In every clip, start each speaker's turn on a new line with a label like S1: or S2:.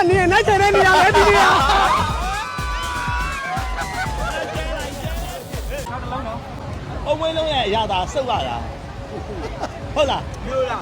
S1: နေနိုင်ချင်တဲ့နေရာပဲဒီနေရာ
S2: အဝေးလုံးရဲ့အရာသာစုပ်ရတာဟုတ်လားပြောလား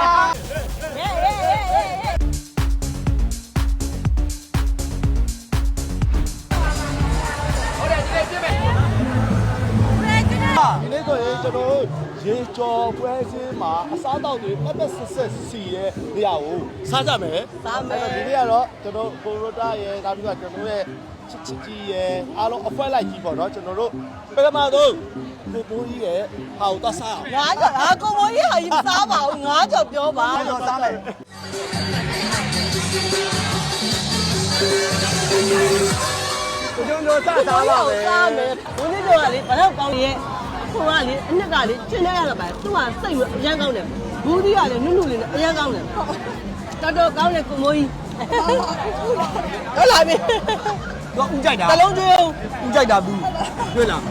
S2: ဒီနေ့ဆိုရင်ကျွန်တော်ရေကြော်ပွဲစင်းမှာအစားတောက်တွေပတ်ပတ်ဆက်ဆက်စီရဲ့နေရာကိုစားကြမယ်စားမယ်ဒီနေ့ကတော့ကျွန်တော်ကိုရိုတာရဲ့နောက်ပြီးတော့ကျွန်တော်ရဲ့ချစ်ကြီးရဲ့အားလုံးအဖွဲလိုက်ကြီးပေါ့နော်ကျွန်တော်တို့ပထမဆုံးကိုပိုးကြီးရဲ့ဟာကိုသွားစားအောင်
S3: ငါးကြော်ကိုမိုးကြီးဟာကြီးမစားပါဘူးငါးကြော်ပြောပါ
S1: ကြော်စားလိုက်ကျွန်တော်စားပါမယ်
S3: စားမယ်ဘုန်းကြီးတို့ကလေဘာလို့ကောင်းရဲ့ခုကလေအနှစ်ကလေကျင်းနေရတာပဲသူကစိတ်အရန်ကောင်းတယ်ဘူးကြီးကလည်းနုနုလေးနဲ့အရန်ကောင်းတယ်တော်တော်ကောင်းတယ်ကိုမိုးကြီးဟုတ်လားမင်း
S1: တော့ဦးကြိုက်တာ
S3: တလုံးကျွေး
S1: ဦးကြိုက်တာဘူးတွေ့လား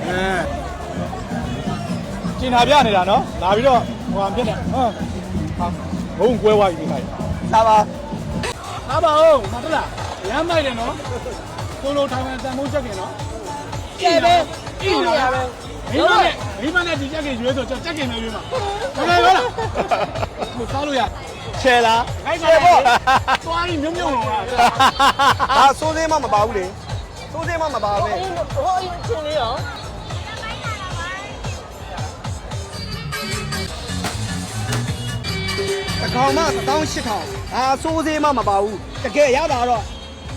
S2: ကျင်တာပြနေတာနော်လာပြီးတော့ဟိုဟာဖြစ်နေဟာဘုံကွဲသွားပြီဒီတိုင်း
S1: စားပါ
S2: စားပါဦးမဟုတ်လားရမ်းမိုက်တယ်နော်ကိုလိုထိုင်မှန်တန်မိုးချက်ကင်နော်
S3: ကျဲပဲ
S2: အိနေရပဲမိမနဲ့ဒီချက်ကင်ရွေးဆိုချက်ကင်နဲ့ရွေးမှာဟုတ်လားကိုစားလို့ရချဲလားချဲပေါ့သွားရင်မြုံမြုံတော့
S1: ဒါစိုးသေးမှမပါဘူးလေစိုးသေးမှမပါပဲ
S3: ဟိုအချင်းလေးရော
S1: အကောင်မှ18000ဒါစိုးသေးမှမပါဘူးတကယ်ရတာတော့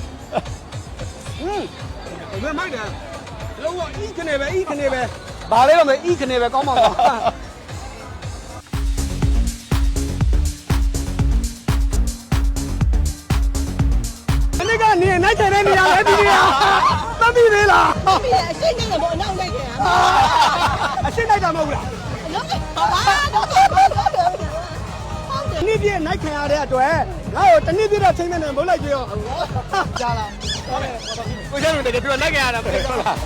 S1: ဘယ်မိုက်တယ်လောကဤခနေပဲဤခနေပဲဘာလဲတော့မဤခနေပဲကောင်းပါပါအနေကနေနိုင်ချင်တဲ့နေရာပဲဒီနေရာသတ်ပြီးသေးလား
S3: ပြီးအရှိတ်နေတယ်ဗောအနောက်လိုက်ခဲ့
S1: အရှိတ်လိုက်တာမဟုတ်လား
S3: လုံးပါပါတော့
S1: နေ့ပြည့်နိုင်ခံရတဲ့အတွက်ငါ့ကိုတနေ့ပြည့်တော့ချိန်မဲ့နဲ့မဟုတ်လိုက်ကြရောကြားလားဟုတ်တယ်ကိုကျန်တို့တကယ်ပြောလိုက်ခံရတာပဲဟုတ်လား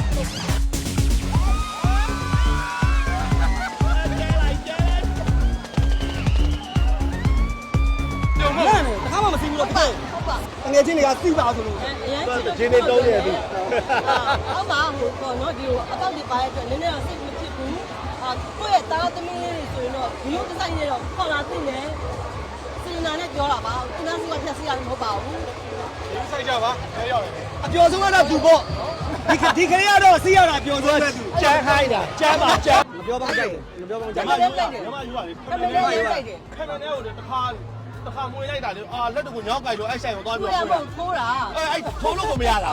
S1: တခါမှမသိဘူးတော့တကယ်ငယ်ချင်းတွေကသိပါဆိုလို့
S2: ဂျင်းနေတုံးနေပြီ
S3: ဟုတ်ပါဟိုပေါ့နော်ဒီအပေါက်ဒီပါရဲ့အတွက်နည်းနည်းတော့စိတ်မဖြစ်ဘူးကိုယ့်ရဲ့သားသမီးလေးတွေဆိုရင်တော့ဒီလိုဒီဇိုင်းနဲ့တော့ခေါ်လာသိနေစင်နာနဲ့ပြောတာပါသူများစီကဖြတ်စီရတယ်မဟုတ်ပါဘူး
S2: ဒီဆိုင်ကြပါခဲရောက်တယ်
S1: အပျော်ဆုံးကတော့သူပေါ့ဒီခရီးကတော့စီးရတာပျော်ဆုံးပဲသူ
S2: ကျန်းခိုင်းတာကျန်းပါကျန်း
S1: မပြောပါဘူးကြိုက်တယ်မပြောပါဘူးကြိုက်
S3: တယ်
S2: ညမယူပါလေခမင်းနဲ့ကိုတခါမွေလိုက်တာလေလက်တကူညောင်းကြိုက်လို့အဲ့ဆိုင်ကိုသွားပြီး
S3: တော့ထိုးတာ
S2: အဲ့ထိုးလို့ကိုမရတာ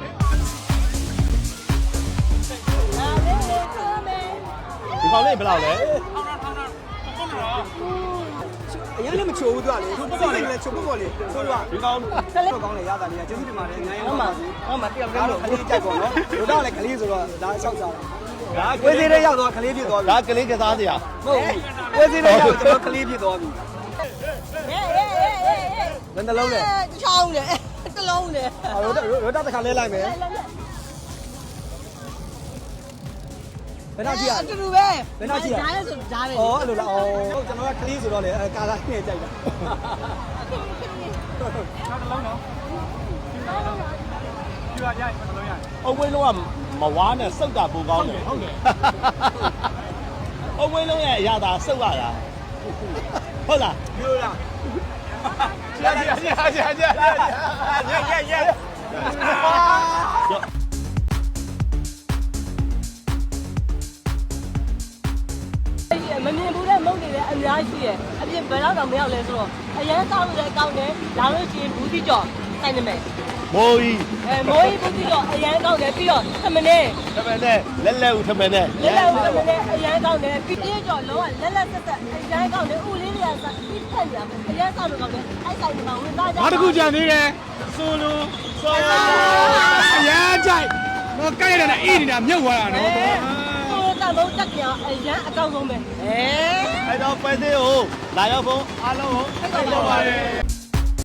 S2: ဒီကောင်လေးဘယ်လောက်လဲ
S1: အရင်လည်းမချိုးဘူးသူကလေသူပုတ်လည်းချိုးပုတ်ပေါ့လေဆိုတော့
S2: ဒီကောင်
S1: ကလေးကောင်းလေရတာလေးကျေးဇူးတင်ပါတယ်အများကြီးဟုတ်မှာတယောက်တည်းလို့ခလေးကြိုက်ပေါ့နော်တို့တော့လည်းခလေးဆိုတော့ဒါဆောက်စားတာဒါကွေးသေးတဲ့ရောက်တော့ခလေးပြည့်သွားပြီ
S2: ဒါကလေးကစားစရာ
S1: ဟုတ်ပြီကွေးသေးတဲ့ရောက်တော့ခလေးပြည့်သွားပြီဘယ်နှလုံးလဲ
S3: ချောင်းတယ်တစ်လုံးတယ်
S1: ရိုတာတစ်ခါလဲလိုက်မယ်ဘယ်တော့ကြည့်ရ
S3: အတူတူပဲ
S1: ဘယ်တော့ကြည့်ရ
S3: ဓာတ်ဆိုဓာတ်ပဲ
S1: ဩအဲ့လိုလားဩဟုတ်ကျွန်တော်ကကလေးဆိုတော့လေကာလာနဲ့ကြိုက်တာ
S2: နောက်တစ်လုံးနော်ပြရရိုက်မလုံးရအဝေးလုံးကမဝါးနဲ့စုပ်တာပိုကောင်းတယ်ဟုတ်တယ်အဝေးလုံးရဲ့အရာသာစုပ်ရတာဟုတ်လား
S1: ပြောလား
S3: မမြင်ဘူးတဲ့မုတ်တွေလည်းအများကြီးရဲ့အပြင်ဘယ်တော့တော့မရောက်လဲဆိုတော့အရင်ကောင်းလည်းကောင်းတယ်လာလို့ရှိရင်ဘူးတိကျော်ဆိုင်နေမယ်
S2: မိုးကြီး
S3: မိုးကြီးဘူးတိကျော်အရင်ကောင်းတယ်ပြီးတော့ထမင်းနဲ့
S2: လက်ဦးထမင်းနဲ့
S3: အရင်ကောင်းတယ်ပြီးတိကျော်လုံးဝလက်ဆက်ဆက်အရင်ကောင်းတယ်ဥလေးတွေကစားပြီးဖက်ရမယ်အရင်ကောင်းတော့ကောင်းတယ်အဲ့ဆိုင်မှာဝင်သားကြ
S2: ဘာတခုကြံသေးတယ်ဆိုလို
S1: အရင်ကြိုက်တော့ကြိုက်ရတဲ့အေးနေတာမြုပ်သွားတာနော်
S3: တဘုံတက်ကြအရန်အကောင်းဆုံးပဲ
S2: အဲ့တော့ပဲသေးကိုလာရောက်ဖို့အားလုံးကိုဖိတ်ခေါ်ပါရစေ